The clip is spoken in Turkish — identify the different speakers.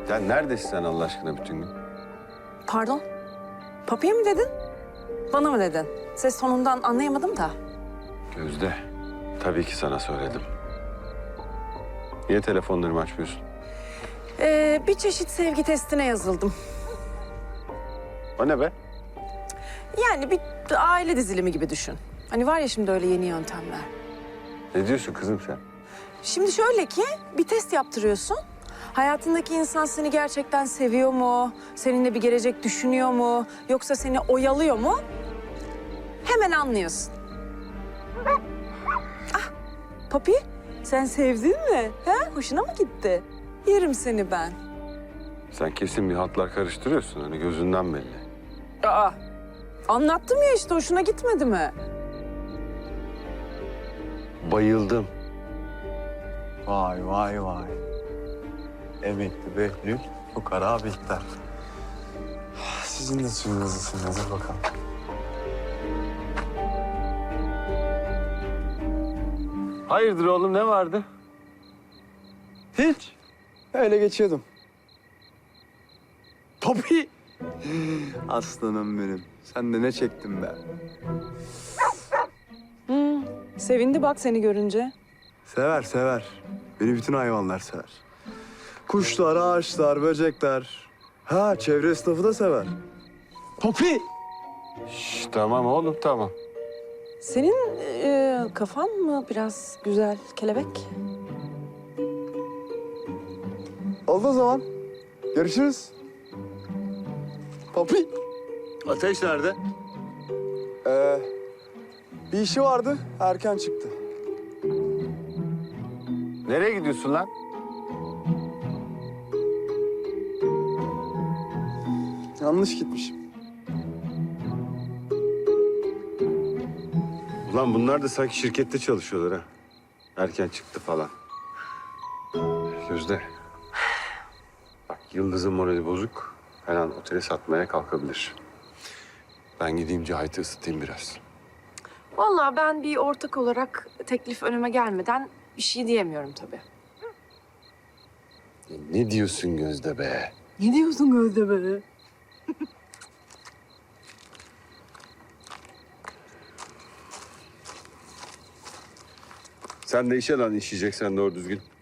Speaker 1: Ya neredesin sen Allah aşkına bütün gün?
Speaker 2: Pardon? Papiye mi dedin? Bana mı dedin? Ses tonundan anlayamadım da.
Speaker 1: Gözde, tabii ki sana söyledim. Niye telefonlarımı açmıyorsun?
Speaker 2: Bir çeşit sevgi testine yazıldım.
Speaker 1: O ne be?
Speaker 2: Yani bir aile dizilimi gibi düşün. Hani var ya şimdi öyle yeni yöntemler.
Speaker 1: Ne diyorsun kızım sen?
Speaker 2: Şimdi şöyle ki bir test yaptırıyorsun. Hayatındaki insan seni gerçekten seviyor mu? Seninle bir gelecek düşünüyor mu? Yoksa seni oyalıyor mu? Hemen anlıyorsun. Ah, Papi, sen sevdin mi? He? Hoşuna mı gitti? Yerim seni ben.
Speaker 1: Sen kesin bir hatlar karıştırıyorsun. Hani gözünden belli.
Speaker 2: Aa, anlattım ya işte hoşuna gitmedi mi?
Speaker 1: Bayıldım.
Speaker 3: Vay vay vay. Emekli Behlül, fukara Bihter. Sizin de suyunuz ısınmadır bakalım.
Speaker 1: Hayırdır oğlum, ne vardı?
Speaker 3: Hiç. Öyle geçiyordum. Papi! Aslanım benim. Sen de ne çektin be?
Speaker 2: Sevindi bak seni görünce.
Speaker 3: Sever sever. Beni bütün hayvanlar sever. Kuşlar, ağaçlar, böcekler. Ha, çevre esnafı da sever. Papi!
Speaker 1: Şş, tamam oğlum, tamam.
Speaker 2: Senin kafan mı biraz güzel kelebek?
Speaker 3: Oldu o zaman. Görüşürüz. Papi!
Speaker 1: Ateş nerede?
Speaker 3: Bir işi vardı, erken çıktı.
Speaker 1: Nereye gidiyorsun lan?
Speaker 3: Yanlış gitmişim.
Speaker 1: Ulan bunlar da sanki şirkette çalışıyorlar ha. Erken çıktı falan. Gözde. Bak Yıldız'ın morali bozuk. Her an oteli satmaya kalkabilir. Ben gideyim Cahit'i ısıtayım biraz.
Speaker 2: Vallahi ben bir ortak olarak teklif önüme gelmeden bir şey diyemiyorum tabii.
Speaker 1: Ne diyorsun Gözde be?
Speaker 2: Ne diyorsun Gözde be?
Speaker 1: Sen de işe lan, işeyeceksen doğru düzgün.